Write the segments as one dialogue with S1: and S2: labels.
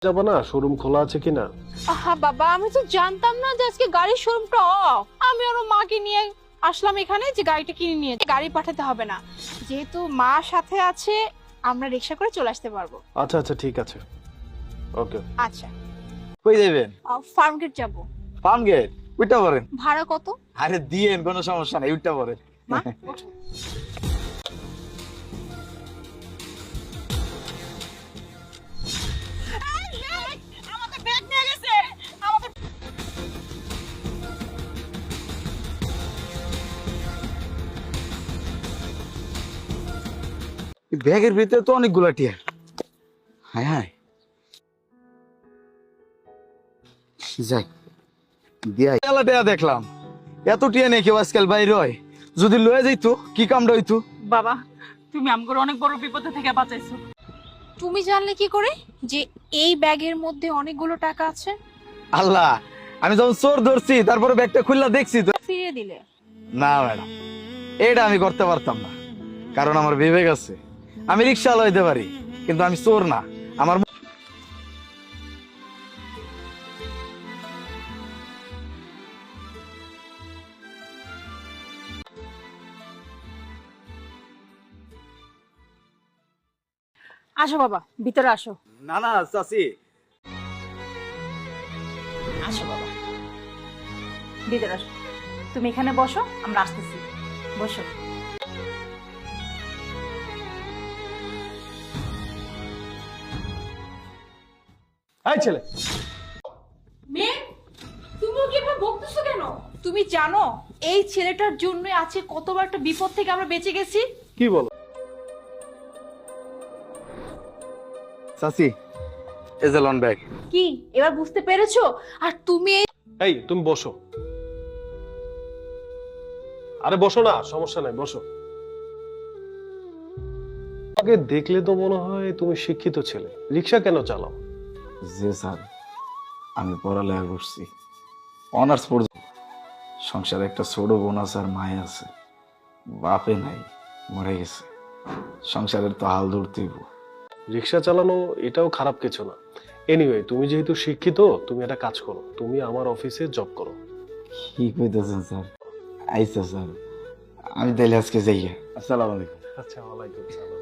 S1: যাবো না, শোরুম খোলা আছে কিনা?
S2: আহা বাবা, আমি তো জানতাম না যে আজকে গাড়ির শোরুমটা অফ। আমি ওর মাকে নিয়ে আসলাম এখানে যে গাড়িটা কিনে নিয়ে, গাড়ি পাঠাতে হবে না, যেহেতু মা সাথে আছে আমরা রিক্সা করে চলে আসতে পারবো।
S1: আচ্ছা আচ্ছা ঠিক আছে, ওকে।
S2: আচ্ছা,
S3: কই যাবেন?
S2: ফার্ম গেট যাবো।
S3: Farm gate? উইটা পড়েন।
S2: ভাড়া কত?
S3: আরে দিয়েন, কোনো সমস্যা নাই, উইটা পড়েন।
S2: মা ওঠো। আমাদের ব্যাগ নিয়ে গেছে। আমাদের
S3: ব্যাগের ভিতরে তো অনেকগুলা টিয়া। হায় হায়, যাই দিয়া এলা টিয়া দেখলাম। এত টিয়া নিয়ে কেউ আজকাল বাইরে হয়, যদি লয়ে যাইতো কি কামটা হইতো।
S4: বাবা, তুমি আমগর অনেক বড় বিপদ থেকে বাঁচাইছো।
S2: তুমি জানলে কি করে যে এই ব্যাগের মধ্যে অনেকগুলো টাকা আছে?
S3: আল্লাহ, আমি যখন চোর ধরছি তারপরে ব্যাগটা খুললা দেখছি তো।
S2: ফিরিয়ে দিলে?
S3: না ম্যাডাম, এটা আমি করতে পারতাম না, কারণ আমার বিবেক আছে। আমি রিক্সা লইতে পারি, কিন্তু আমি চোর না। আমার
S4: আসো বাবা, ভিতরে আসো।
S3: না না চাচি,
S4: আসো বাবা, ভিতরে আসো। তুমি এখানে বসো, আমরা আসতেছি। বসো।
S1: এই ছেলে,
S2: মেয়ে, তুমি ওকে এভাবে বকতেছো কেন? তুমি জানো এই ছেলেটার জন্য আছে কতবার একটা বিপদ থেকে আমরা বেঁচে গেছি।
S1: কি বলো?
S3: চাচি, এই যে লন ব্যাগ।
S2: কি এবার বুঝতে পেরেছো? আর তুমি
S1: এই তুমি বসো। আরে বসো না, সমস্যা নাই, বসো। আগে দেখলে তো মনে হয় তুমি শিক্ষিত ছেলে, রিক্সা কেন চালাও?
S3: জি স্যার, আমি পড়ালেখা করছি, অনার্স পর্যন্ত। সংসারে একটা ছোট বোন আছে আর মায়ে আছে, বাপে নাই, মরে গেছে। সংসারের তো হাল ধরতেই।
S1: রিক্সা চালানো এটাও খারাপ কিছু না। এনিওয়ে, তুমি যেহেতু শিক্ষিত, তুমি একটা কাজ করো, তুমি আমার অফিসে জব করো।
S3: কি কইতেছেন স্যার? আইসা স্যার, আমি তাইলে আজকে যাই। আসসালামু আলাইকুম।
S1: আচ্ছা, ওয়ালাইকুম সালাম।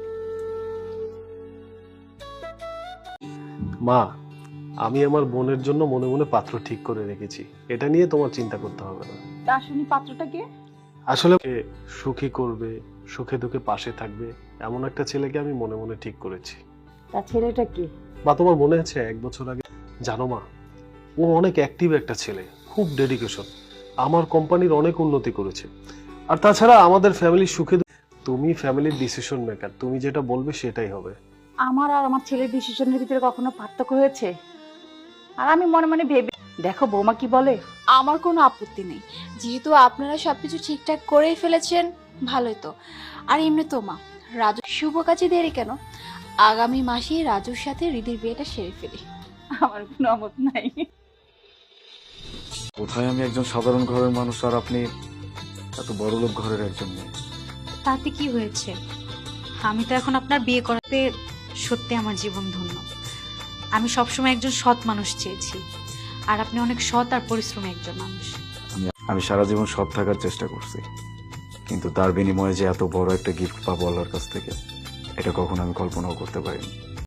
S1: মা, আমি আমার বোনের জন্য মনে মনে পাত্র ঠিক করে রেখেছি, এটা নিয়ে তোমার চিন্তা করতে হবে না।
S4: তা শুনি পাত্রটা কে?
S1: আসলে ওকে সুখী করবে, সুখে দুঃখে পাশে থাকবে, এমন একটা ছেলেকে আমি মনে মনে ঠিক করেছি।
S4: তা ছেলেটা কে?
S1: বা তোমার মনে আছে 1 বছর আগে, জানো মা, ও অনেক অ্যাক্টিভ একটা ছেলে, খুব ডেডিকেশন, আমার কোম্পানির অনেক উন্নতি করেছে। আর তাছাড়া আমাদের ফ্যামিলির সুখে তুমি ফ্যামিলির ডিসিশন মেকার, তুমি যেটা বলবে সেটাই হবে।
S4: আমার আর আমার ছেলের ডিসিশনের ভিতরে কখনো পার্থক্য হয়েছে? আর আমি মনে মনে ভেবে দেখো বৌমা কি বলে।
S2: আমার কোনো আপত্তি নেই, যেহেতু আপনারা সবকিছু ঠিকঠাক করেই ফেলেছেন, ভালোই তো। আর এমনি তো মা, রাজু শুভ কাজে দেরি কেন? আগামী মাসে রাজুর সাথে রিদির বিয়েটা সেরে ফেলি।
S4: আমার কোনো আমত নাই।
S3: কোথায় আমি একজন সাধারণ ঘরের মানুষ, আর আপনি এত বড় লোক ঘরের একজন মেয়ে।
S5: তাতে কি হয়েছে? আমি তো এখন আপনার বিয়ে করাতে সত্যি আমার জীবন ধন্য। আমি সবসময় একজন সৎ মানুষ চেয়েছি, আর আপনি অনেক সৎ আর পরিশ্রমী একজন মানুষ।
S3: আমি সারা জীবন সৎ থাকার চেষ্টা করছি, কিন্তু তার বিনিময়ে যে এত বড় একটা গিফট পাবো আল্লাহর কাছ থেকে, এটা কখনো আমি কল্পনাও করতে পারিনি।